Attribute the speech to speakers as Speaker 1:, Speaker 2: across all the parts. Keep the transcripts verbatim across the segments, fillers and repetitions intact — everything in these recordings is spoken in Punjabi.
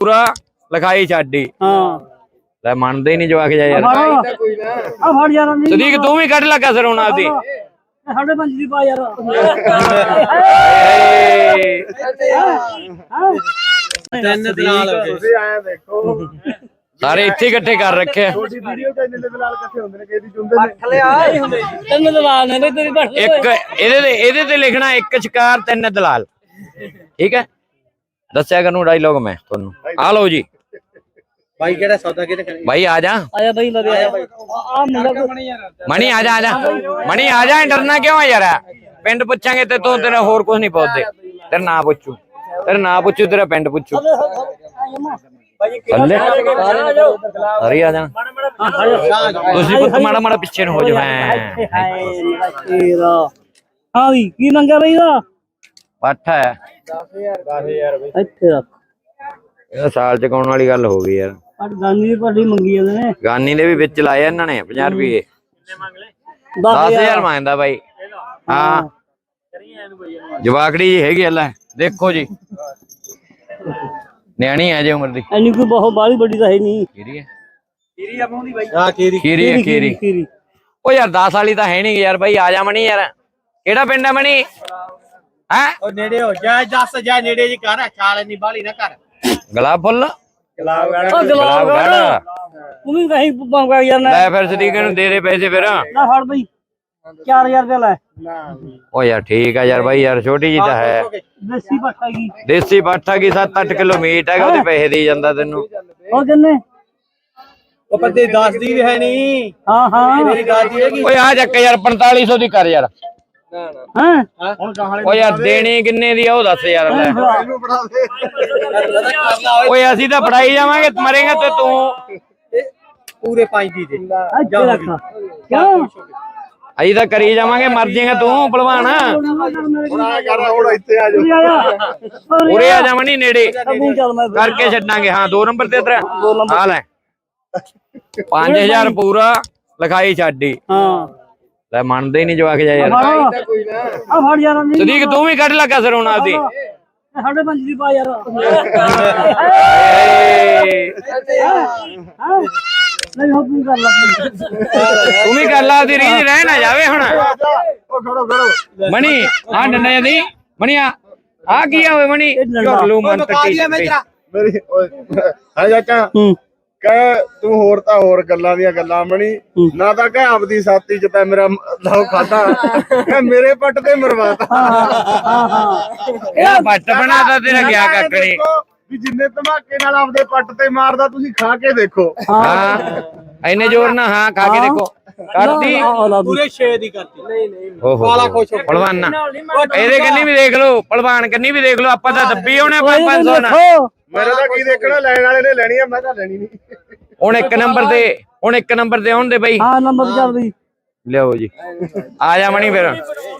Speaker 1: ਪੂਰਾ ਲਿਖਾਈ ਛਾਡੀ
Speaker 2: ਹਾਂ
Speaker 1: ਲੈ ਮੰਨਦੇ ਹੀ ਨਹੀਂ ਜਵਾਕ ਜਾ ਯਾਰ
Speaker 2: ਆ ਫੜ ਯਾਰ ਨਹੀਂ
Speaker 1: ਸਦੀਕ ਤੂੰ ਵੀ ਕੱਢ ਲੱਗਾ ਸਰ ਹੁਣ ਆਦੀ
Speaker 2: ਸਾਡੇ ਪੰਜ ਦੀ ਪਾ ਯਾਰ
Speaker 3: ਤਿੰਨ ਦਲਾਲ ਤੁਸੀਂ ਆਇਆ ਦੇਖੋ
Speaker 1: ਸਾਰੇ ਇੱਥੇ ਇਕੱਠੇ ਕਰ ਰੱਖੇ
Speaker 3: ਛੋਟੀ ਵੀਡੀਓ ਤੇ ਇੰਨੇ ਦਲਾਲ ਇਕੱਠੇ ਹੁੰਦੇ ਨੇ ਕਿਹਦੀ ਚੁੰਦੇ ਨੇ
Speaker 2: ਪੱਠ ਲਿਆ ਤਿੰਨ ਦਲਾਲ ਨੇ ਤੇਰੀ ਪੱਠ
Speaker 1: ਇੱਕ ਇਹਦੇ ਤੇ ਇਹਦੇ ਤੇ ਲਿਖਣਾ ਇੱਕ ਸ਼ਿਕਾਰ ਤਿੰਨ ਦਲਾਲ ਠੀਕ ਹੈ ਦੱਸਿਆ ਕਰਨੂੰ ਡਾਇਲੋਗ ਮੈਂ ਤੁਹਾਨੂੰ ਆ ਲਓ ਜੀ
Speaker 3: ਭਾਈ ਕਿਹੜਾ ਸੌਦਾ ਕਿਹਨੇ ਕਰੀ
Speaker 1: ਭਾਈ ਆ ਜਾ
Speaker 2: ਆਇਆ ਬਈ ਲਵੇ ਆਇਆ ਆ ਮੁੰਡਾ
Speaker 1: ਮਣੀ ਆ ਜਾ ਆ ਜਾ ਮਣੀ ਆ ਜਾ ਡਰਨਾ ਕਿਉਂ ਆ ਯਾਰ ਪਿੰਡ ਪੁੱਛਾਂਗੇ ਤੇ ਤੂੰ ਤੇਰਾ ਹੋਰ ਕੁਝ ਨਹੀਂ ਪੁੱਛਦੇ ਤੇਰਾ ਨਾਂ ਪੁੱਛੂ ਤੇਰਾ ਨਾਂ ਪੁੱਛੂ ਤੇਰਾ ਪਿੰਡ ਪੁੱਛੂ ਥੱਲੇ ਹਰੀ ਆ ਜਾ ਤੁਸੀਂ ਪੁੱਤ ਮਾੜਾ ਮਾੜਾ ਪਿੱਛੇ ਨੂੰ ਹੋ ਜਾ
Speaker 2: ਹਾਂ ਵੀ ਕੀ ਮੰਗਿਆ ਬਈ ਦਾ
Speaker 1: ਪੱਠ ਹੈ
Speaker 3: ਦਸ ਹਜ਼ਾਰ ਬਈ
Speaker 2: ਇੱਥੇ ਰੱਖ
Speaker 1: ਇਹ ਸਾਲ ਚ ਕਾਉਣ ਵਾਲੀ ਗੱਲ ਹੋ ਗਈ ਯਾਰ
Speaker 2: ਅੱਜ ਗਾਨੀ ਦੀ ਪਾਰਟੀ ਮੰਗੀ ਜਾਂਦੇ ਨੇ
Speaker 1: ਗਾਨੀ ਦੇ ਵੀ ਵਿੱਚ ਲਾਏ ਇਹਨਾਂ ਨੇ ਪੰਜਾਹ ਰੁਪਏ ਦਸ ਹਜ਼ਾਰ ਮੰਗਦਾ ਬਾਈ ਹਾਂ ਜਵਾਕੜੀ ਜੀ ਹੈਗੀ ਲੈ ਦੇਖੋ ਜੀ ਨਿਆਣੀ ਹੈ ਜੇ ਉਮਰ ਦੀ
Speaker 2: ਐਨੀ ਕੋਈ ਬਹੁਤ ਬਾਹਲੀ ਵੱਡੀ ਤਾਂ ਹੈ ਨਹੀਂ
Speaker 1: ਕੀਰੀ ਹੈ
Speaker 3: ਕੀਰੀ ਆਉਂਦੀ ਬਾਈ ਹਾਂ ਕੀਰੀ
Speaker 1: ਕੀਰੀ ਹੈ ਕੀਰੀ
Speaker 2: ਕੀਰੀ
Speaker 1: ਉਹ ਯਾਰ ਦਸ ਵਾਲੀ ਤਾਂ ਹੈ ਨਹੀਂ ਯਾਰ ਬਾਈ ਆ ਜਾ ਮਣੀ ਯਾਰ ਕਿਹੜਾ ਪਿੰਡ ਹੈ ਮਣੀ ਹੈ
Speaker 3: ਉਹ ਨੇੜੇ ਹੋ ਜਾ ਜੱਸ ਜਾ ਨੇੜੇ ਜੀ ਕਰ ਛਾਲ ਇੰਨੀ ਬਾਲੀ ਨਾ ਕਰ
Speaker 1: ਗੁਲਾਬ ਫੁੱਲ
Speaker 3: ਗੁਲਾਬ ਗਾੜਾ
Speaker 2: ਉਹ ਗੁਲਾਬ ਗਾੜਾ ਤੂੰ ਵੀ ਕਹੀਂ ਮੰਗਾ ਯਾਰ
Speaker 1: ਲੈ ਫਿਰ ਸਦੀਕ ਨੂੰ ਦੇ ਦੇ ਪੈਸੇ ਫਿਰ
Speaker 2: ਨਾ ਫੜ ਬਈ ਚਾਰ ਹਜ਼ਾਰ ਰੁਪਏ ਲੈ
Speaker 1: ਉਹ ਯਾਰ ਠੀਕ ਆ ਯਾਰ ਬਾਈ ਯਾਰ ਛੋਟੀ ਜੀ ਤਾਂ ਹੈ
Speaker 2: ਦੇਸੀ ਪੱਠਾ ਕੀ
Speaker 1: ਦੇਸੀ ਪੱਠਾ ਕੀ ਸੱਤ ਅੱਠ ਕਿਲੋ ਮੀਟ ਹੈਗਾ ਉਹਦੇ ਪੈਸੇ ਦੇ ਜਾਂਦਾ ਤੈਨੂੰ
Speaker 2: ਹੋਰ ਕਿੰਨੇ
Speaker 3: ਉਹ ਪੱਤੇ ਦਸ ਦੀ ਵੀ ਹੈ ਨਹੀਂ
Speaker 2: ਹਾਂ ਹਾਂ
Speaker 3: ਮੇਰੀ ਦਾਦੀ ਹੈਗੀ
Speaker 1: ਓਏ ਆ ਚੱਕ ਯਾਰ ਪੰਤਾਲੀ ਸੌ ਦੀ ਕਰ ਯਾਰ
Speaker 2: ਹਾਂ
Speaker 3: ਹੁਣ ਗਾਹਲੇ
Speaker 1: ਓ ਯਾਰ ਦੇਣੀ ਕਿੰਨੇ ਦੀ ਆ ਉਹ ਦੱਸ ਯਾਰ ਲੈ
Speaker 3: ਇਹਨੂੰ ਬਣਾ ਦੇ
Speaker 1: ਓਏ ਅਸੀਂ ਤਾਂ ਫੜਾਈ ਜਾਵਾਂਗੇ ਮਰੇਗਾ ਤੇ ਤੂੰ
Speaker 3: ਪੂਰੇ ਪੰਜ ਦੀ ਦੇ
Speaker 2: ਇੱਥੇ ਰੱਖ ਕਿਉਂ
Speaker 1: ਅਸੀਂ ਤਾਂ ਕਰੀ ਜਾਵਾਂਗੇ ਮਰ ਜਾਏਗਾ ਤੂੰ ਭਲਵਾਨ
Speaker 3: ਹੁਣ ਆ ਕਰ ਹੁਣ ਇੱਥੇ ਆ ਜਾ
Speaker 1: ਉਰੇ ਆ ਜਾਵਣੀ ਨੇੜੇ
Speaker 2: ਤੂੰ ਚੱਲ ਮੈਂ
Speaker 1: ਕਰਕੇ ਛੱਡਾਂਗੇ ਹਾਂ ਦੋ ਨੰਬਰ ਤੇ ਤੇਰਾ ਆ ਲੈ ਪੰਜ ਹਜ਼ਾਰ ਪੂਰਾ ਲਿਖਾਈ ਛਾਡੀ
Speaker 2: ਹਾਂ
Speaker 1: ਲੈ ਮੰਨਦੇ ਹੀ ਨਹੀਂ ਜਵਾਕ ਜਾ ਯਾਰ
Speaker 3: ਕੋਈ ਨਾ
Speaker 2: ਆ ਫੜ ਯਾਰ ਨਹੀਂ
Speaker 1: ਸਦੀਕ ਤੂੰ ਵੀ ਕੱਢ ਲੱਗਾ ਸਰ ਹੁਣ ਆਦੀ
Speaker 2: ਸਾਡੇ ਪੰਜ ਦੀ ਪਾ ਯਾਰ ਨਹੀਂ ਹੋ ਤੂੰ ਕਰ ਲੈ
Speaker 1: ਤੂੰ ਵੀ ਕਰ ਲਾ ਆਦੀ ਰੀਝ ਰਹਿ ਨਾ ਜਾਵੇ ਹੁਣ
Speaker 3: ਉਹ ਖੜੋ ਖੜੋ
Speaker 1: ਮਣੀ ਆ ਡੰਡਾ ਦੀ ਮਣੀ ਆ ਆ ਕੀ ਆ ਓਏ ਮਣੀ ਝੋਲੂ ਮਨ ਕੱਟੀ
Speaker 3: ਮੇਰੀ ਓਏ ਹਾਂ ਚਾਚਾ
Speaker 2: ਹੂੰ
Speaker 3: ਕਹਿ ਤੂੰ ਹੋਰ ਤਾਂ ਹੋਰ ਗੱਲਾਂ ਦੀਆਂ ਗੱਲਾਂ ਬਣੀ ਨਾ ਤਾਂ ਕਹਿ ਆਪਦੀ ਸਾਥੀ ਚ ਤਾਂ ਮੇਰਾ ਲਾਉ ਖਾਦਾ ਕਹਿ ਮੇਰੇ ਪੱਟ ਤੇ ਮਰਵਾਤਾ
Speaker 2: ਹਾਂ ਹਾਂ
Speaker 1: ਇਹ ਪੱਟ ਬਣਾਦਾ ਤੇਰਾ ਗਿਆ ਕੱਕੜੀ
Speaker 3: ਵੀ ਜਿੰਨੇ ਧਮਾਕੇ ਨਾਲ ਆਪਦੇ ਪੱਟ ਤੇ ਮਾਰਦਾ ਤੁਸੀਂ ਖਾ ਕੇ ਦੇਖੋ
Speaker 1: ਹਾਂ ਐਨੇ ਜ਼ੋਰ ਨਾ ਹਾਂ ਖਾ ਕੇ ਦੇਖੋ ਕਰਦੀ
Speaker 3: ਪੂਰੇ ਛੇ ਦੀ ਕਰਤੀ ਨਹੀਂ ਨਹੀਂ
Speaker 1: ਕਾਲਾ ਖੁਸ਼ ਪਹਿਲਵਾਨ ਇਹਦੇ ਕੰਨੀ ਵੀ ਦੇਖ ਲਓ ਪਹਿਲਵਾਨ ਕੰਨੀ ਵੀ ਦੇਖ ਲਓ ਆਪਾਂ ਤਾਂ ਦੱਬੀ ਆਉਣੇ ਪੰਜ ਸੌ ਨਾ
Speaker 3: ਮੇਰੇ ਤਾਂ ਕੀ ਦੇਖਣਾ ਲੈਣ ਵਾਲੇ ਨੇ ਲੈਣੀ ਆ ਮੈਂ ਤਾਂ ਲੈਣੀ ਨਹੀਂ
Speaker 1: ਹੁਣ ਇੱਕ ਨੰਬਰ ਤੇ ਹੁਣ ਇੱਕ ਨੰਬਰ ਤੇ ਆਉਣ ਦੇ ਬਈ
Speaker 2: ਹਾਂ ਨੰਬਰ ਚੱਲ ਬਈ
Speaker 1: ਲਿਓ ਜੀ ਆ ਜਾ ਮਣੀ ਫਿਰ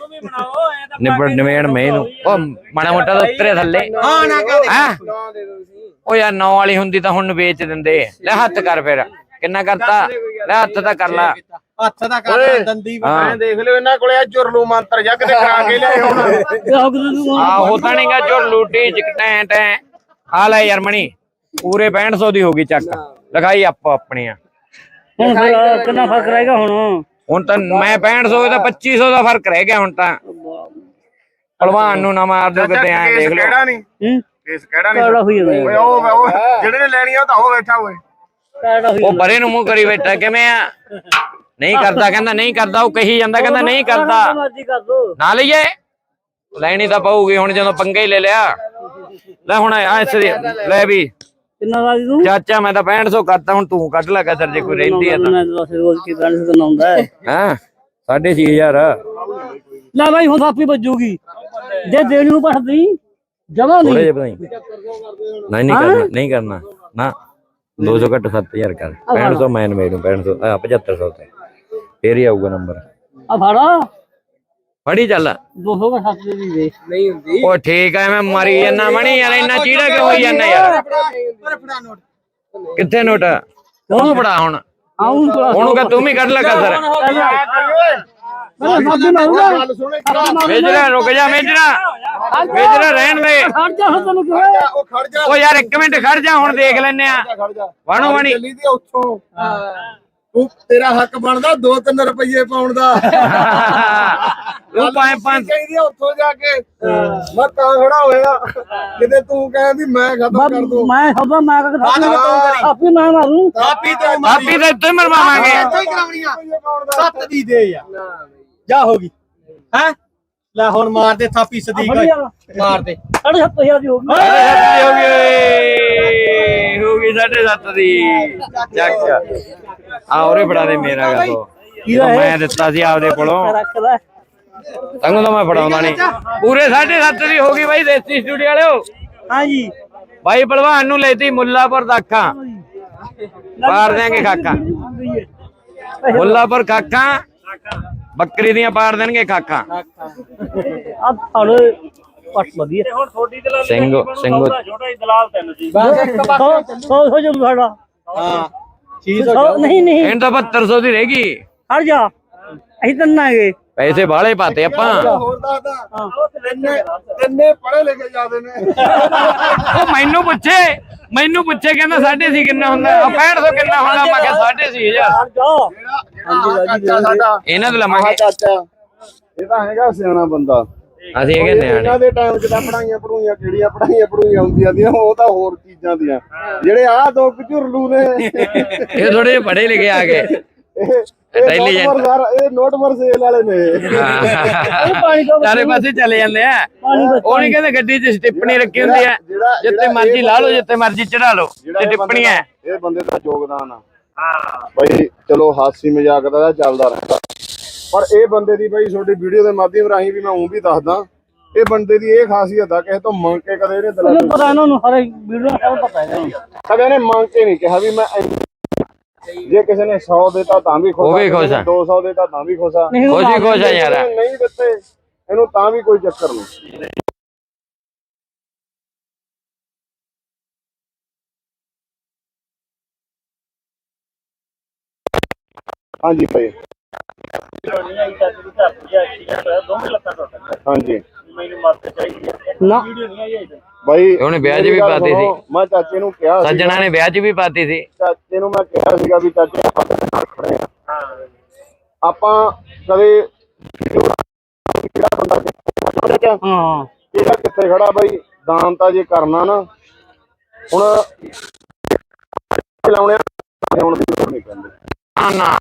Speaker 1: ਨਿਬੜ ਨਿਵੇੜ ਮੈਨੂੰ ਉਹ ਮਾੜਾ ਮੋਟਾ ਤਾਂ ਉੱਤਰੇ ਥੱਲੇ
Speaker 3: ਹਾਂ ਨਾ ਕਰ
Speaker 1: ਹਾਂ ਉਹ ਯਾਰ ਨੌ ਵਾਲੀ ਹੁੰਦੀ ਤਾਂ ਹੁਣ ਵੇਚ ਦਿੰਦੇ ਲੈ ਹੱਥ ਕਰ ਫਿਰ ਕਿੰਨਾ ਕਰਤਾ ਲੈ ਹੱਥ ਤਾਂ ਕਰ ਲਾ
Speaker 3: ਹੱਥ ਦਾ ਕਰ ਦੰਦੀ ਮੈਂ ਦੇਖ ਲਿਓ ਇਹਨਾਂ ਕੋਲੇ ਆ ਜੁਰਲੂ ਮੰਤਰ ਜੱਗ ਤੇ ਕਰਾ ਕੇ ਲਿਆਏ ਹੁਣ
Speaker 1: ਆ ਹੋਤਾ ਨਹੀਂਗਾ ਜੋ ਲੂਟੀ ਚਿਕਟੈਂ ਟੈਂ ਆ ਲੈ ਯਾਰ ਮਣੀ ਪੂਰੇ ਪੈਂਹਠ ਸੌ ਦੀ ਹੋ ਗਈ ਚੱਕ ਲਗਾਈ ਆਪੋ ਆਪਣੀ ਆ
Speaker 2: ਹੁਣ ਫਿਰ ਕਿੰਨਾ ਫਰਕ ਰਹੇਗਾ ਹੁਣ
Speaker 1: ਹੁਣ ਤਾਂ ਮੈਂ ਪੈਂਹਠ ਸੌ ਦਾ ਪੱਚੀ ਸੌ ਦਾ ਫਰਕ ਰਹਿ ਗਿਆ ਹੁਣ ਤਾਂ ਪਹਿਲਵਾਨ ਨੂੰ ਨਾ ਮਾਰ ਦਿਓ ਕਿਤੇ ਐ ਦੇਖ ਲਓ
Speaker 3: ਕਿਹੜਾ ਨਹੀਂ
Speaker 2: ਹੂੰ
Speaker 3: ਕੇਸ ਕਿਹੜਾ
Speaker 2: ਕਾੜਾ
Speaker 3: ਨਹੀਂ
Speaker 2: ਹੋਈ ਜਾਂਦਾ
Speaker 3: ਓਏ ਉਹ ਉਹ ਜਿਹੜੇ ਨੇ ਲੈਣੀ ਆ ਉਹ ਤਾਂ ਉਹ ਬੈਠਾ ਓਏ
Speaker 2: ਕਾੜਾ ਹੋਈ
Speaker 1: ਉਹ ਪਰੇ ਨੂੰ ਮੂੰਹ ਕਰੀ ਬੈਠਾ ਕਿਵੇਂ ਆ ਨਹੀਂ ਕਰਦਾ ਕਹਿੰਦਾ ਨਹੀਂ ਕਰਦਾ ਉਹ ਕਹੀ ਜਾਂਦਾ ਕਹਿੰਦਾ ਨਹੀਂ ਕਰਦਾ
Speaker 2: ਮਰਜ਼ੀ ਕਰ ਦੋ
Speaker 1: ਨਾ ਲਈਏ ਲੈਣੀ ਤਾਂ ਪਊਗੀ ਹੁਣ ਜਦੋਂ ਪੰਗਾ ਹੀ ਲੈ ਲਿਆ ਲੈ ਹੁਣ ਐਸ ਲੈ ਵੀ
Speaker 2: ਕਿੰਨਾ ਦਾ ਤੂੰ
Speaker 1: ਚਾਚਾ ਮੈਂ ਤਾਂ ਪੈਂਹਠ ਸੌ ਕਰਤਾ ਹੁਣ ਤੂੰ ਕੱਢ ਲੈ ਕਦਰ ਜੇ ਕੋਈ ਰਹਿੰਦੀ ਆ ਤਾਂ
Speaker 2: ਮੈਂ ਦੱਸ ਰੋਜ਼ ਕੀ ਬੈਂਸ ਬਣਾਉਂਦਾ ਹੈ
Speaker 1: ਹਾਂ ਸਾਢੇ ਛੇ ਹਜ਼ਾਰ
Speaker 2: ਲੈ ਬਾਈ ਹੁਣ ਥਾਪੀ ਵੱਜੂਗੀ ਜੇ ਦੇਣੀ ਨੂੰ ਪੜਦੀ ਜਮਾ
Speaker 1: ਥੋੜੇ
Speaker 2: ਨਹੀਂ
Speaker 1: ਜਿਹੇ ਵਧਾਈ ਨਹੀਂ ਨਹੀਂ ਕਰਨਾ ਨਹੀਂ ਕਰਨਾ ਨਾ ਦੋ ਸੌ ਘੱਟ ਸੱਤ ਹਜ਼ਾਰ ਕਰ ਪੈਂਹਠ ਸੌ ਮੈਂ ਨਵੇੜੂ ਪੈਂਹਠ ਸੌ ਆ ਪਝੱਤਰ ਸੌ ਤੇ ਫੇਰ ਹੀ ਆਊਗਾ ਨੰਬਰ
Speaker 2: ਆ ਫੜਾ
Speaker 1: ਫੜੀ ਚੱਲ
Speaker 2: ਦੋ ਸੌ ਸੱਤ ਦੀ ਦੇ ਨਹੀਂ ਹੁੰਦੀ
Speaker 1: ਉਹ ਠੀਕ ਆ ਮੈਂ ਮਾਰੀ ਜਾਂਦਾ ਮਣੀ ਯਾਰ ਇੰਨਾ ਚੀੜਾ ਕਿਉਂ ਹੋਈ ਜਾਂਦਾ ਯਾਰ ਕਿੱਥੇ ਨੋਟ ਤੂੰ ਫੜਾ ਹੁਣ
Speaker 2: ਆਉਂ
Speaker 1: ਉਹਨੂੰ ਕਹ ਤੂੰ ਵੀ ਕੱਢ ਲੈ ਕਸਰ
Speaker 2: ਸਾਬੀ ਮਾਰੂਗਾ
Speaker 3: ਗੱਲ ਸੁਣ ਇੱਕ ਗੱਲ।
Speaker 1: ਮੇਜਰਾ ਰੁਕ ਜਾ ਮੇਜਰਾ ਮੇਜਰਾ ਰਹਿਣ ਦੇ
Speaker 2: ਖੜ ਜਾ ਹੁਣ ਤੈਨੂੰ ਕਿਹਾ
Speaker 3: ਉਹ ਖੜ ਜਾ
Speaker 1: ਉਹ ਯਾਰ ਇੱਕ ਮਿੰਟ ਖੜ ਜਾ ਹੁਣ ਦੇਖ ਲੈਨੇ ਆ
Speaker 3: ਖੜ ਜਾ
Speaker 1: ਵਾਣੋ ਵਾਣੀ
Speaker 3: ਚੱਲੀ ਦੀ ਉੱਥੋਂ ਤੂੰ ਤੇਰਾ ਹੱਕ ਬਣਦਾ ਦੋ ਤਿੰਨ ਰੁਪਏ ਪਾਉਣ ਦਾ
Speaker 1: ਉਹ ਪੰਜ ਪੰਜ
Speaker 3: ਚਾਹੀਦੀ ਆ ਉੱਥੋਂ ਜਾ ਕੇ ਮੈਂ ਤਾਂ ਖੜਾ ਹੋਇਆ ਕਿਤੇ ਤੂੰ ਕਹਿੰਦੀ ਮੈਂ ਖਤਮ ਕਰ ਦੂੰ
Speaker 2: ਮੈਂ ਖਬਰ ਮੈਂ ਕਹਿੰਦਾ ਆਪੀ ਮੈਂ ਮਾਰੂ
Speaker 3: ਕਾਪੀ ਤੋਂ
Speaker 1: ਆਪੀ ਤਾਂ ਇੱਥੇ ਮਰਵਾਵਾਂਗੇ
Speaker 3: ਹੀ ਕਰਾਉਣੀਆਂ
Speaker 4: ਸੱਤ ਦੀ ਦੇ ਯਾਰ ਜਾ ਹੋ ਗਈ ਹੈ ਲੈ ਹੁਣ ਮਾਰ ਦੇ ਥਾਪੀ ਸਦੀਕ ਮਾਰ ਦੇ
Speaker 2: ਸਾਢੇ ਸੱਤ ਹਜ਼ਾਰ ਦੀ ਹੋ ਗਈ
Speaker 1: ਹੋ ਗਈ ਹੋ ਗਈ ਸਾਢੇ ਸੱਤ ਦੀ ਚੱਕ ਆ ਉਰੇ ਫੜਾ ਦੇ ਮੇਰਾ ਗਾ ਤੋ ਮੈਂ ਦਿੱਤਾ ਸੀ ਆਪਦੇ ਕੋਲੋਂ
Speaker 2: ਰੱਖਦਾ
Speaker 1: ਤੈਨੂੰ ਤਾਂ ਮੈਂ ਫੜਾਉਂਦਾ ਨਹੀਂ ਪੂਰੇ ਸਾਢੇ ਸੱਤ ਦੀ ਹੋ ਗਈ ਬਾਈ ਦੇਸੀ ਸਟੂਡੀਓ ਵਾਲਿਓ
Speaker 2: ਹਾਂਜੀ
Speaker 1: ਬਾਈ ਭਲਵਾਨ ਨੂੰ ਲੈਤੀ ਮੁੱਲਾਪੁਰ ਦਾ ਅੱਖਾਂ ਪਾੜ ਦੇਾਂਗੇ ਖਾਕਾਂ ਮੁੱਲਾਪੁਰ ਖਾਕਾਂ ਬੱਕਰੀ ਦੀਆਂ ਪਾੜ ਦੇਣਗੇ ਖਾਕਾਂ
Speaker 2: ਆ ਫੜ ਪੱਟ ਵਧੀਆ
Speaker 5: ਹੁਣ ਥੋੜੀ ਦਲਾਲ
Speaker 1: ਸਿੰਘ ਸਿੰਘ
Speaker 5: ਛੋਟਾ ਹੀ ਦਲਾਲ ਤਿੰਨ ਸੀ
Speaker 4: ਬਸ ਇੱਕ
Speaker 2: ਸੌ ਸੌ ਸੌ ਜਮ ਸਾਡਾ
Speaker 4: ਹਾਂ ਚੀਜ਼
Speaker 2: ਸੌ ਨਹੀਂ ਨਹੀਂ
Speaker 1: ਇਹਨਾਂ ਤਾਂ ਬਹੱਤਰ ਸੌ ਦੀ ਰਹਿ ਗਈ
Speaker 2: ਹਟ ਜਾ ਅਸੀਂ ਤੰਨਾਂਗੇ
Speaker 1: ਪੈਸੇ ਬਾਹਲੇ ਪਾਤੇ ਆਪਾਂ
Speaker 3: ਹੋਰ ਦੱਸਦਾ ਤਿੰਨੇ ਤਿੰਨੇ ਪੜੇ ਲਿਖੇ ਜਾਂਦੇ ਨੇ
Speaker 1: ਉਹ ਮੈਨੂੰ ਪੁੱਛੇ ਮੈਨੂੰ ਪੁੱਛੇ ਕਹਿੰਦਾ ਸਾਢੇ ਸੀ ਕਿੰਨਾ ਹੁੰਦਾ ਆ ਪੈਂਹਠ ਸੌ ਕਿੰਨਾ ਹੁੰਦਾ ਮੈਂ ਕਿਹਾ ਸਾਢੇ ਸੀ ਹਜ਼ਾਰ
Speaker 2: ਹਟ ਜਾ
Speaker 3: ਜਿਹੜਾ ਜਿਹੜਾ ਚਾਚਾ ਸਾਡਾ
Speaker 1: ਇਹਨਾਂ ਤੋਂ
Speaker 3: ਆਹ
Speaker 1: ਲਵਾਂਗੇ
Speaker 3: ਚਾਚਾ ਇਹ ਤਾਂ ਹੈਗਾ ਸਿਆਣਾ ਬੰਦਾ
Speaker 1: ਅਸੀਂ ਇਹ ਕਹਿੰਦੇ
Speaker 3: ਇਹਨਾਂ ਦੇ ਟਾਈਮ 'ਚ ਤਾਂ ਪੜਾਈਆਂ ਪੜੂਈਆਂ ਕਿਹੜੀਆਂ ਪੜਾਈਆਂ ਪੜੂਈਆਂ ਹੁੰਦੀਆਂ ਦੀਆਂ ਉਹ ਤਾਂ ਹੋਰ ਚੀਜ਼ਾਂ ਦੀਆਂ ਜਿਹੜੇ ਆਹ ਦੋ ਝੁਰਲੂ ਨੇ
Speaker 1: ਇਹ ਥੋੜੇ ਜਿਹੇ ਪੜੇ ਲਿਖੇ ਆ ਗਏ
Speaker 3: ਇਹ
Speaker 1: Intelligent।
Speaker 3: ਇਹ ਨੋਟ ਮਰਸੇਲ ਵਾਲੇ ਨੇ
Speaker 2: ਪਾਣੀ ਤੋਂ
Speaker 1: ਚਾਰੇ ਪਾਸੇ ਚਲੇ ਜਾਂਦੇ ਆ
Speaker 2: ਪਾਣੀ ਦਾ
Speaker 1: ਉਹ ਨਹੀਂ ਕਹਿੰਦੇ ਗੱਡੀ 'ਚ ਸਟਿੱਪਣੀ ਰੱਖੀ ਹੁੰਦੀ ਆ
Speaker 3: ਜਿਹੜਾ-
Speaker 1: ਜਿੱਥੇ
Speaker 3: ਜਿਹੜਾ
Speaker 1: ਮਰਜ਼ੀ
Speaker 3: ਇਹ
Speaker 1: ਲਾ ਲਓ ਜਿੱਥੇ ਮਰਜ਼ੀ ਚੜਾ ਲਓ
Speaker 3: ਜਿਹੜਾ
Speaker 1: ਤੇ
Speaker 3: ਇਹ ਬੰਦੇ
Speaker 1: ਟਿੱਪਣੀਆਂ
Speaker 3: ਦਾ- ਇਹ ਬੰਦੇ ਦਾ ਯੋਗਦਾਨ ਆ ਬਈ ਚਲੋ ਹਾਸੀ ਮਜ਼ਾਕ ਦਾ ਤਾਂ ਚੱਲਦਾ ਰਹਿੰਦਾ ਪਰ ਇਹ ਬੰਦੇ ਦੀ ਬਈ ਤੁਹਾਡੀ ਵੀਡੀਓ ਦੇ ਮਾਧਿਅਮ ਰਾਹੀਂ ਵੀ ਮੈਂ ਉਹ ਵੀ ਦੱਸਦਾ ਇਹ ਬੰਦੇ ਦੀ ਇਹ ਖਾਸੀਅਤ ਆ ਕਿਸੇ ਤੋਂ ਮੰਗ ਕੇ ਕਦੇ ਇਹਨੇ ਦਿਲਾਂ
Speaker 2: ਉਹਨੂੰ ਪਤਾ ਇਹਨਾਂ ਨੂੰ ਹਰ ਵੀਡੀਓ ਸਭ ਪਤਾ ਹੈ
Speaker 3: ਕਦੇ ਇਹਨੇ ਮੰਗ ਕੇ ਨਹੀਂ ਕਿਹਾ ਵੀ ਮੈਂ ਇੰਨੀ- ਜੇ ਕਿਸੇ ਨੇ ਸੌ ਦੇਤਾ ਤਾਂ ਵੀ ਖੁਸ਼
Speaker 1: ਉਹ ਵੀ ਖੁਸ਼ ਆ।
Speaker 3: ਦੋ ਸੌ ਦੇਤਾ ਤਾਂ ਵੀ ਖੁਸ਼ ਆ
Speaker 2: ਨਹੀਂ
Speaker 1: ਖੁਸ਼ ਹੀ ਖੁਸ਼ ਆ ਯਾਰ
Speaker 3: ਜੇ ਨਹੀਂ ਦਿੱਤੇ ਇਹਨੂੰ ਤਾਂ ਵੀ ਕੋਈ ਚੱਕਰ ਨਹੀਂ ਹਾਂਜੀ ਭਾਈ
Speaker 5: ਦੋਵੇਂ ਲੱਤਾਂ ਟੁੱਟ
Speaker 3: ਹਾਂਜੀ
Speaker 5: ਮੈਨੂੰ ਮਦਦ ਚਾਹੀਦੀ ਹੈ
Speaker 2: ਨਾ
Speaker 5: ਵੀਡੀਓ ਨਹੀਂ ਆਈ ਅਜੇ
Speaker 3: ਭਾਈ
Speaker 1: ਉਹਨੇ ਵਿਆਹ 'ਚ ਵੀ
Speaker 3: ਮੇਰੀ ਗੱਲ
Speaker 1: ਪਾਤੀ ਸੀ।
Speaker 3: ਸੁਣੋ, ਮੈਂ ਚਾਚੇ ਨੂੰ ਕਿਹਾ ਸੀ
Speaker 1: ਸੱਜਣਾ ਨੇ ਵਿਆਹ 'ਚ ਵੀ ਪਾਤੀ ਸੀ
Speaker 3: ਚਾਚੇ ਨੂੰ ਮੈਂ ਕਿਹਾ ਸੀਗਾ ਵੀ ਚਾਚੇ ਆਪਾਂ ਤੇਰੇ ਨਾਲ ਖੜੇ ਆ
Speaker 5: ਹਾਂ
Speaker 3: ਆਪਾਂ ਕਦੇ ਕਿਹੜਾ ਬੰਦਾ ਕਿੱਥੇ
Speaker 2: ਹਾਂ
Speaker 3: ਕਿਹੜਾ ਕਿੱਥੇ ਖੜਾ ਬਾਈ ਦਾਨ ਤਾਂ ਜੇ ਕਰਨਾ ਨਾ ਹੁਣ ਲਾਉਣੇ ਹੁਣ ਦੀ ਲੋੜ ਨਹੀਂ ਪੈਂਦੀ
Speaker 1: ਨਾ ਨਾ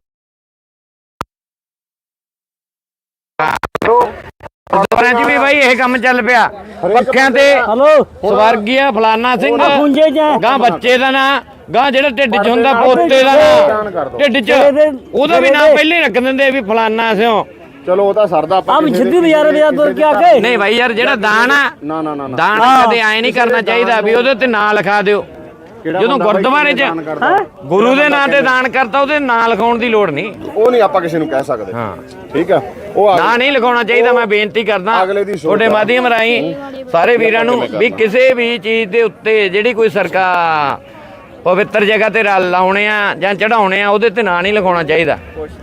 Speaker 1: ਗੁਰਦੁਆਰਿਆਂ 'ਚ ਵੀ ਬਾਈ ਇਹ ਕੰਮ ਚੱਲ ਪਿਆ ਪੱਖਿਆਂ ਤੇ
Speaker 2: ਹਲੋ
Speaker 1: ਸਵਰਗੀਆ ਫਲਾਨਾ ਸਿੰਘ
Speaker 2: ਪੁੰਜੇ ਜਾ
Speaker 1: ਗਾਂ ਬੱਚੇ ਦਾ ਨਾਂ ਗਾਂ ਜਿਹੜਾ ਢਿੱਡ 'ਚ ਹੁੰਦਾ ਪੋਤੇ ਦਾ ਨਾਂ ਢਿੱਡ 'ਚ ਉਹਦਾ ਵੀ ਨਾਂ ਪਹਿਲੇ ਹੀ ਰੱਖ ਦਿੰਦੇ ਵੀ ਫਲਾਨਾ ਸਿਓ
Speaker 3: ਚਲੋ ਉਹ ਤਾਂ ਸਰਦਾ ਆਪਾਂ
Speaker 2: ਆਪ ਛਿੱਦੀ ਬਾਜ਼ਾਰ ਬਾਜ਼ਾਰ ਤੁਰ ਕੇ ਆ ਕੇ
Speaker 1: ਨਹੀਂ ਬਾਈ ਯਾਰ ਜਿਹੜਾ ਦਾਨ ਆ
Speaker 3: ਨਾ ਨਾ ਨਾ ਨਾ
Speaker 1: ਦਾਨ ਕਦੇ ਐ ਨਹੀਂ ਕਰਨਾ ਚਾਹੀਦਾ ਵੀ ਉਹਦੇ ਤੇ ਨਾਂ ਲਿਖਾ ਦਿਓ
Speaker 3: ਕਿਹੜਾ
Speaker 1: ਜਦੋਂ
Speaker 3: ਬੰਦਾ ਬਾਈ
Speaker 1: ਗੁਰਦੁਆਰੇ 'ਚ
Speaker 3: ਦਾਨ ਕਰਦਾ?
Speaker 1: ਗੁਰੂ ਦੇ ਨਾਂ ਤੇ ਦਾਨ ਕਰਤਾ ਉਹਦੇ ਨਾਂ ਲਿਖਾਉਣ ਦੀ ਲੋੜ ਨਹੀਂ
Speaker 3: ਉਹ ਨਹੀਂ ਆਪਾਂ ਕਿਸੇ ਨੂੰ ਕਹਿ ਸਕਦੇ
Speaker 1: ਹਾਂ
Speaker 3: ਠੀਕ ਆ ਉਹ ਆ-
Speaker 1: ਨਾਂ ਨਹੀਂ ਲਿਖਾਉਣਾ ਚਾਹੀਦਾ ਮੈਂ ਬੇਨਤੀ ਕਰਦਾ
Speaker 3: ਅਗਲੇ ਦੀ ਸੋਚ
Speaker 1: ਤੁਹਾਡੇ
Speaker 3: ਆ।
Speaker 1: ਮਾਧਿਅਮ ਰਾਹੀਂ ਸਾਰੇ ਵੀਰਾਂ ਨੂੰ ਵੀ ਕਿਸੇ ਵੀ ਚੀਜ਼ ਦੇ ਉੱਤੇ ਜਿਹੜੀ ਕੋਈ ਸਰਕਾਰ ਪਵਿੱਤਰ ਜਗ੍ਹਾ ਤੇ ਰ- ਲਾਉਣੇ ਆ ਜਾਂ ਚੜਾਉਣੇ ਆ ਉਹਦੇ ਤੇ ਨਾਂ ਨਹੀਂ ਲਿਖਾਉਣਾ ਚਾਹੀਦਾ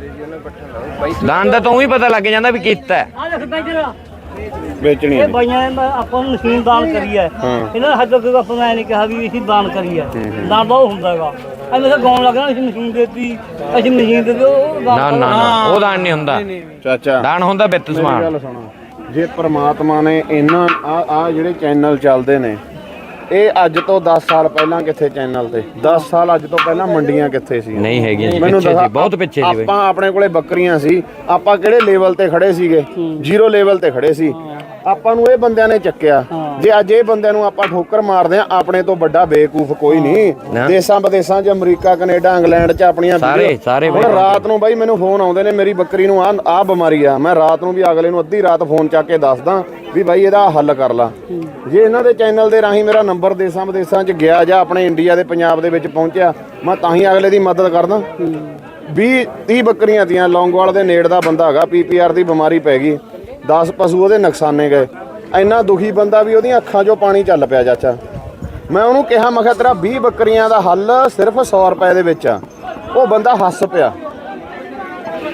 Speaker 1: ਦਾਨ ਦਾ ਤਾਂ ਉਹੀ ਪਤਾ ਲੱਗ ਜਾਂਦਾ ਵੀ ਕੀਤਾ ਹੈ।
Speaker 2: ਆ ਦੇਖ ਬੈਜਰ
Speaker 3: ਵੇਚਣੀ
Speaker 2: ਇਹ
Speaker 3: ਹੈ
Speaker 2: ਬਾਈਆਂ ਨੇ ਆਪਾਂ ਨੂੰ ਮਸ਼ੀਨ ਦਾਨ ਕਰੀ ਹੈ ਇਹਨਾਂ ਹੱਦ ਤੱਕ ਆਪਾਂ ਨੇ ਨਹੀਂ ਕਿਹਾ ਵੀ ਅਸੀਂ ਦਾਨ ਕਰੀ ਹੈ ਦਾਨ ਬਹੁਤ ਹੁੰਦਾ ਹੈਗਾ ਐਵੇਂ ਤਾਂ ਗਾਉਣ ਲੱਗਣਾ ਅਸੀਂ ਮਸ਼ੀਨ ਦੇਤੀ ਅਸੀਂ ਮਸ਼ੀਨ ਦੇ ਦਿਓ ਉਹ
Speaker 1: ਨਾ
Speaker 2: ਦਾਨ
Speaker 1: ਨਾ ਨਾ ਉਹ ਦਾਨ ਨਹੀਂ ਹੁੰਦਾ
Speaker 3: ਚਾਚਾ
Speaker 1: ਦਾਨ ਹੁੰਦਾ ਵਿੱਤ
Speaker 3: ਮੇਰੀ
Speaker 1: ਸਮਾਨ
Speaker 3: ਗੱਲ ਸੁਣੋ ਜੇ ਪ੍ਰਮਾਤਮਾ ਨੇ ਇਹਨਾਂ ਆ ਆ ਜਿਹੜੇ ਚੈਨਲ ਚੱਲਦੇ ਨੇ ਇਹ ਅੱਜ ਤੋਂ ਦਸ ਸਾਲ ਪਹਿਲਾਂ ਕਿੱਥੇ ਚੈਨਲ ਤੇ ਦਸ ਸਾਲ ਅੱਜ ਤੋਂ ਪਹਿਲਾਂ ਮੰਡੀਆਂ ਕਿੱਥੇ ਸੀ
Speaker 1: ਨਹੀਂ ਹੈਗੀਆਂ ਜੀ,
Speaker 3: ਮੈਨੂੰ
Speaker 1: ਪਿੱਛੇ
Speaker 3: ਦੱਸ,
Speaker 1: ਸੀ, ਬਹੁਤ ਪਿੱਛੇ ਸੀ ਬਈ।
Speaker 3: ਆਪਾਂ ਆਪਣੇ ਕੋਲੇ ਬੱਕਰੀਆਂ ਸੀ ਆਪਾਂ ਕਿਹੜੇ ਲੈਵਲ ਤੇ ਖੜੇ ਸੀਗੇ ਜ਼ੀਰੋ ਲੈਵਲ ਤੇ ਖੜੇ ਸੀ ਆਪਾਂ ਨੂੰ ਇਹ ਬੰਦਿਆਂ ਨੇ ਚੱਕਿਆ ਜੇ ਅੱਜ ਇਹ ਬੰਦਿਆਂ ਨੂੰ ਆਪਾਂ ਠੋਕਰ ਮਾਰਦੇ ਆ ਆਪਣੇ ਤੋਂ ਵੱਡਾ ਬੇਕੂਫ ਕੋਈ ਨਹੀਂ
Speaker 1: ਨਾ।
Speaker 3: ਦੇਸ਼ਾਂ ਵਿਦੇਸ਼ਾਂ 'ਚ ਅਮਰੀਕਾ ਕੈਨੇਡਾ ਇੰਗਲੈਂਡ 'ਚ ਆਪਣੀਆਂ
Speaker 1: ਸਾਰੇ-
Speaker 3: ਵੀਡੀਓ-
Speaker 1: ਸਾਰੇ
Speaker 3: ਹੁਣ
Speaker 1: ਬਈ
Speaker 3: ਰਾਤ ਨੂੰ ਬਾਈ ਮੈਨੂੰ ਫੋਨ ਆਉਂਦੇ ਨੇ ਮੇਰੀ ਬੱਕਰੀ ਨੂੰ ਆ ਆ ਬਿਮਾਰੀ ਆ ਮੈਂ ਰਾਤ ਨੂੰ ਵੀ ਅਗਲੇ ਨੂੰ ਅੱਧੀ ਰਾਤ ਫੋਨ ਚੱਕ ਕੇ ਦੱਸਦਾ ਵੀ ਬਾਈ ਇਹਦਾ ਹੱਲ ਕਰ ਲਾ ਜੇ ਇਹਨਾਂ ਦੇ ਚੈਨਲ ਦੇ ਰਾਹੀਂ ਮੇਰਾ ਨੰਬਰ ਦੇਸ਼ਾਂ ਵਿਦੇਸ਼ਾਂ 'ਚ ਗਿਆ ਜਾਂ ਆਪਣੇ ਇੰਡੀਆ ਦੇ ਪੰਜਾਬ ਦੇ ਵਿੱਚ ਪਹੁੰਚਿਆ ਮੈਂ ਤਾਂ ਹੀ ਅਗਲੇ ਦੀ ਮਦਦ ਕਰਦਾ ਵੀਹ ਤੀਹ ਬੱਕਰੀਆਂ ਤੀਆਂ ਲੌਂਗੋਵਾਲ ਦੇ ਨੇੜ ਦਾ ਬੰਦਾ ਹੈਗਾ ਪੀਪੀਆਰ ਦੀ ਬਿਮਾਰੀ ਪੈ ਗਈ ਦਸ ਪਸ਼ੂ ਉਹਦੇ ਨੁਕਸਾਨੇ ਗਏ ਇੰਨਾ ਦੁਖੀ ਬੰਦਾ ਵੀ ਉਹਦੀਆਂ ਅੱਖਾਂ 'ਚੋਂ ਪਾਣੀ ਚੱਲ ਪਿਆ ਚਾਚਾ ਮੈਂ ਉਹਨੂੰ ਕਿਹਾ ਮੈਂ ਕਿਹਾ ਤੇਰਾ ਵੀਹ ਬੱਕਰੀਆਂ ਦਾ ਹੱਲ ਸਿਰਫ ਸੌ ਰੁਪਏ ਦੇ ਵਿੱਚ ਆ ਉਹ ਬੰਦਾ ਹੱਸ ਪਿਆ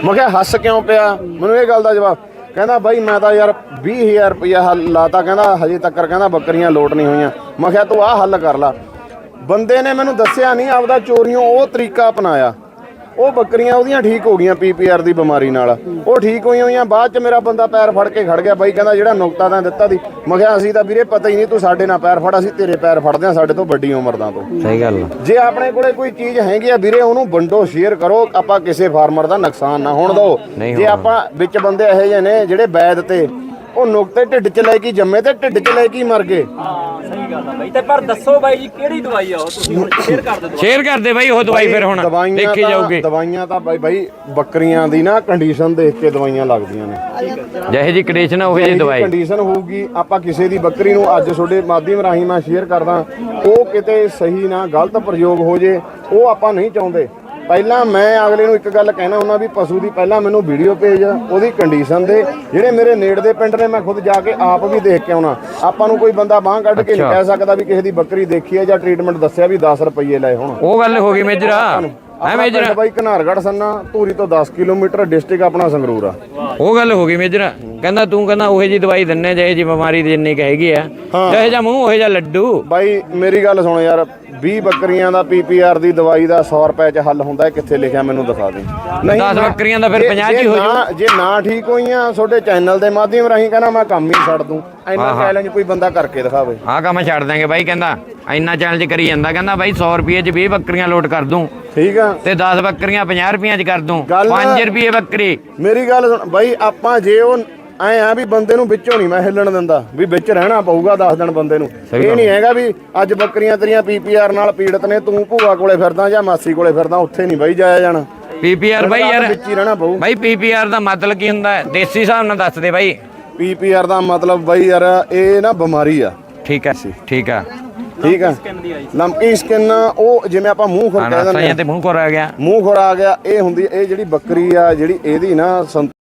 Speaker 3: ਮੈਂ ਕਿਹਾ ਹੱਸ ਕਿਉਂ ਪਿਆ? ਮੈਨੂੰ ਇਹ ਗੱਲ ਦਾ ਜਵਾਬ ਕਹਿੰਦਾ ਬਾਈ ਮੈਂ ਤਾਂ ਯਾਰ ਵੀਹ ਹਜ਼ਾਰ ਰੁਪਇਆ ਹੱਲ ਲਾਤਾ, ਕਹਿੰਦਾ ਹਜੇ ਤੱਕ ਕਹਿੰਦਾ ਬੱਕਰੀਆਂ ਲੋਟ ਨਹੀਂ ਹੋਈਆਂ। ਮੈਂ ਕਿਹਾ ਤੂੰ ਆਹ ਹੱਲ ਕਰ ਲਾ। ਬੰਦੇ ਨੇ ਮੈਨੂੰ ਦੱਸਿਆ ਨਹੀਂ, ਆਪਦਾ ਚੋਰੀਓਂ ਉਹ ਤਰੀਕਾ ਅਪਣਾਇਆ। ਉਹ ਬੱਕਰੀਆਂ ਉਹਦੀਆਂ ਠੀਕ ਹੋ ਗਈਆਂ ਪੀ ਪੀ ਆਰ ਦੀ ਬਿਮਾਰੀ ਨਾਲ, ਉਹ ਠੀਕ ਹੋਈਆਂ ਹੋਈਆਂ। ਬਾਅਦ ਚ ਮੇਰਾ ਬੰਦਾ ਪੈਰ ਫੜ ਕੇ ਖੜ ਗਿਆ। ਬਾਈ ਕਹਿੰਦਾ ਜਿਹੜਾ ਨੁਕਤਾ ਤਾਂ ਦਿੱਤਾ ਦੀ। ਮੈਂ ਕਿਹਾ ਅਸੀਂ ਤਾਂ ਵੀਰੇ ਪਤਾ ਹੀ ਨਹੀਂ, ਤੂੰ ਸਾਡੇ ਨਾਲ ਪੈਰ ਫੜ, ਅਸੀਂ ਤੇਰੇ ਪੈਰ ਫੜਦੇ ਆ, ਸਾਡੇ ਤੋਂ ਵੱਡੀ ਉਮਰ ਦਾ ਤੋਂ।
Speaker 1: ਸਹੀ ਗੱਲ।
Speaker 3: ਜੇ ਆਪਣੇ ਕੋਲੇ ਕੋਈ ਚੀਜ਼ ਹੈਗੀ ਆ ਵੀਰੇ, ਉਹਨੂੰ ਵੰਡੋ, ਸ਼ੇਅਰ ਕਰੋ। ਆਪਾਂ ਕਿਸੇ ਫਾਰਮਰ ਦਾ ਨੁਕਸਾਨ ਨਾ ਹੋਣ ਦਿਓ। ਜੇ ਆਪਾਂ ਵਿੱਚ ਬੰਦੇ ਇਹੋ ਜਿਹੇ ਨੇ ਜਿਹੜੇ ਵੈਦ ਤੇ ਉਹ ਨੁਕਤੇ ਢਿੱਡ ਚ ਲੈ ਕੇ ਜੰਮੇ ਤੇ ਢਿੱਡ ਚ ਲੈ ਕੇ ਮਰ ਗਏ।
Speaker 4: ਹਾਂ ਸਹੀ ਗੱਲ ਆ ਬਾਈ। ਤੇ ਪਰ ਦੱਸੋ ਬਾਈ ਜੀ ਕਿਹੜੀ ਦਵਾਈ ਆ ਉਹ, ਤੁਸੀਂ ਹੁਣ ਸ਼ੇਅਰ ਕਰ ਦਿਓ।
Speaker 1: ਸ਼ੇਅਰ ਕਰਦੇ ਬਾਈ ਉਹ ਦਵਾਈ ਫਿਰ ਹੁਣ
Speaker 3: ਦਵਾਈਆਂ
Speaker 1: ਦੇਖੀ
Speaker 3: ਤਾਂ-
Speaker 1: ਜਾਊਗੀ।
Speaker 3: ਦਵਾਈਆਂ ਤਾਂ ਬਾਈ ਬਾਈ ਬੱਕਰੀਆਂ ਦੀ ਨਾ ਕੰਡੀਸ਼ਨ ਦੇਖ ਕੇ ਦਵਾਈਆਂ ਲੱਗਦੀਆਂ ਨੇ।
Speaker 1: ਜਿਹੇ ਜੀ ਕੰਡੀਸ਼ਨ ਉਹ ਜੀ ਦਵਾਈ
Speaker 3: ਕੰਡੀਸ਼ਨ ਹੋਊਗੀ। ਆਪਾਂ ਕਿਸੇ ਦੀ ਬੱਕਰੀ ਨੂੰ ਅੱਜ ਤੁਹਾਡੇ ਮਾਧਿਅਮ ਰਾਹੀਂ ਮੈਂ ਸ਼ੇਅਰ ਕਰਦਾ, ਉਹ ਕਿਤੇ ਸਹੀ ਨਾ ਗਲਤ ਪ੍ਰਯੋਗ ਹੋ ਜੇ, ਉਹ ਆਪਾਂ ਨਹੀਂ ਚਾਹੁੰਦੇ। ਪਹਿਲਾਂ ਮੈਂ ਅਗਲੇ ਨੂੰ ਇੱਕ ਗੱਲ ਕਹਿਣਾ ਹੁੰਦਾ ਵੀ ਪਸ਼ੂ ਦੀ ਪਹਿਲਾਂ ਮੈਨੂੰ ਵੀਡੀਓ ਭੇਜ, ਉਹਦੀ ਕੰਡੀਸ਼ਨ ਦੇ। ਜਿਹੜੇ ਮੇਰੇ ਨੇੜੇ ਦੇ ਪਿੰਡ ਨੇ ਮੈਂ ਖੁਦ ਜਾ ਕੇ ਆਪ ਵੀ ਦੇਖ ਕੇ ਆਉਣਾ। ਆਪਾਂ ਨੂੰ ਕੋਈ ਬੰਦਾ ਬਾਂਹ ਕੱਢ ਕੇ ਨਹੀਂ ਕਹਿ ਸਕਦਾ ਵੀ ਕਿਸੇ ਦੀ ਬੱਕਰੀ ਦੇਖੀ ਹੈ ਜਾਂ ਟ੍ਰੀਟਮੈਂਟ ਦੱਸਿਆ ਵੀ ਦਸ ਰੁਪਏ ਲਏ ਹੁਣ।
Speaker 1: ਉਹ ਗੱਲ ਹੋ ਗਈ ਮੇਜਰਾ। ਐ ਮੇਜਰਾ
Speaker 3: ਬਾਈ ਘਨਾਰਗੜ੍ਹ ਸੰਨਾ ਧੂਰੀ ਤੋਂ ਦਸ ਕਿਲੋਮੀਟਰ, ਡਿਸਟ੍ਰਿਕਟ ਆਪਣਾ ਸੰਗਰੂਰ ਆ।
Speaker 1: ਉਹ ਗੱਲ ਹੋ ਗਈ ਮੇਜਰਾ। ਕਹਿੰਦਾ ਤੂੰ ਕਹਿੰਦਾ ਉਹੇ ਜੀ ਦਵਾਈ ਦਿੰਨੇ ਜਿਹੇ ਜੀ ਬਿਮਾਰੀ ਦੀ ਜਿੰਨੀ ਕੁ ਹੈਗੀ ਆ, ਜਿਹੇ ਜਿਹਾ ਮੂੰਹ ਉਹੇ ਜਿਹਾ ਲੱਡੂ।
Speaker 3: ਬਾਈ ਮੇਰੀ ਗੱਲ ਸੁਣ ਯਾਰ, ਵੀਹ ਬੱਕਰੀਆਂ ਦਾ ਪੀ ਪੀ ਆਰ ਦੀ ਦਵਾਈ ਦਾ ਸੌ ਰੁਪਏ ਚ ਹੱਲ ਹੁੰਦਾ, ਕਿੱਥੇ ਲਿਖਿਆ ਮੈਨੂੰ ਦਿਖਾ ਦੇ।
Speaker 1: ਦਸ ਬੱਕਰੀਆਂ ਦਾ ਫਿਰ ਪੰਜਾਹ ਹੀ ਹੋ ਜੂ।
Speaker 3: ਜੇ ਨਾ ਠੀਕ ਹੋਈਆਂ ਤੁਹਾਡੇ ਚੈਨਲ ਦੇ ਮਾਧਿਅਮ ਰਾਹੀਂ ਕਹਿੰਦਾ ਮੈਂ ਕੰਮ ਹੀ ਛੱਡ ਦੂੰ। ਇੰਨਾ ਚੈਲੰਜ ਕੋਈ ਬੰਦਾ ਕਰਕੇ ਦਿਖਾਵੇ।
Speaker 1: ਆਹ ਕੰਮ ਛੱਡ ਦਾਂਗੇ ਬਾਈ। ਕਹਿੰਦਾ ਇੰਨਾ ਚੈਲੰਜ ਕਰੀ ਜਾਂਦਾ। ਕਹਿੰਦਾ ਬਾਈ ਸੌ ਰੁਪਏ ਚ ਵੀਹ ਬੱਕਰੀਆਂ ਲੋਟ ਕਰ ਦੂੰ,
Speaker 3: ਠੀਕ ਆ,
Speaker 1: ਤੇ ਦਸ ਬੱਕਰੀਆਂ ਪੰਜਾਹ ਰੁਪਈਆਂ ਚ ਕਰ ਦੂੰ,
Speaker 3: ਗੱਲ-
Speaker 1: ਪੰਜ ਰੁਪਏ ਬੱਕਰੀ।
Speaker 3: ਮੇਰੀ ਗੱਲ ਸੁਣ ਬਾਈ, ਆਪਾਂ ਜੇ ਉਹ ਐ ਆ ਵੀ ਬੰਦੇ ਨੂੰ ਵਿੱਚੋਂ ਨਹੀਂ ਮੈਂ ਹਿੱਲਣ ਦਿੰਦਾ, ਵੀ ਵਿੱਚ ਰਹਿਣਾ ਪਊਗਾ ਦਸ ਦਿਨ ਬੰਦੇ ਨੂੰ। ਇਹ ਨਹੀਂ ਹੈਗਾ ਵੀ ਅੱਜ ਬੱਕਰੀਆਂ ਤੇਰੀਆਂ ਪੀ ਪੀ ਆਰ ਨਾਲ ਪੀੜਤ ਨੇ, ਤੂੰ ਭੂਆ ਕੋਲੇ ਫਿਰਦਾ ਜਾਂ ਮਾਸੀ ਕੋਲੇ ਫਿਰਦਾ, ਉੱਥੇ ਨਹੀਂ ਬਾਈ ਜਾਇਆ ਜਾਣਾ।
Speaker 1: ਪੀ ਪੀ ਆਰ ਬਾਈ ਯਾਰ
Speaker 3: ਵਿੱਚ ਹੀ ਰਹਿਣਾ ਪਊ।
Speaker 1: ਬਾਈ ਪੀ ਪੀ ਆਰ ਦਾ ਮਤਲਬ ਕੀ ਹੁੰਦਾ ਹੈ? ਦੇਸੀ ਹਿਸਾਬ ਨਾਲ ਦੱਸ ਦੇ ਬਾਈ।
Speaker 3: ਪੀ ਪੀ ਆਰ ਦਾ ਮਤਲਬ ਬਾਈ ਯਾਰ ਇਹ ਨਾ ਬਿਮਾਰੀ ਆ।
Speaker 1: ਠੀਕ ਹੈ ਠੀਕ ਆ
Speaker 3: ਠੀਕ ਆ, ਲੰਪੀ ਸਕਿਨ, ਉਹ ਜਿਵੇਂ ਆਪਾਂ ਮੂੰਹ ਖੁਰ ਕਹਿ ਦਿੰਦੇ
Speaker 1: ਤੇ ਮੂੰਹ ਕੋਰ ਆ ਗਿਆ,
Speaker 3: ਮੂੰਹ ਖੁਰ ਆ ਗਿਆ, ਇਹ ਹੁੰਦੀ ਇਹ ਜਿਹੜੀ ਬੱਕਰੀ ਆ ਜਿਹੜੀ ਇਹਦੀ ਨਾ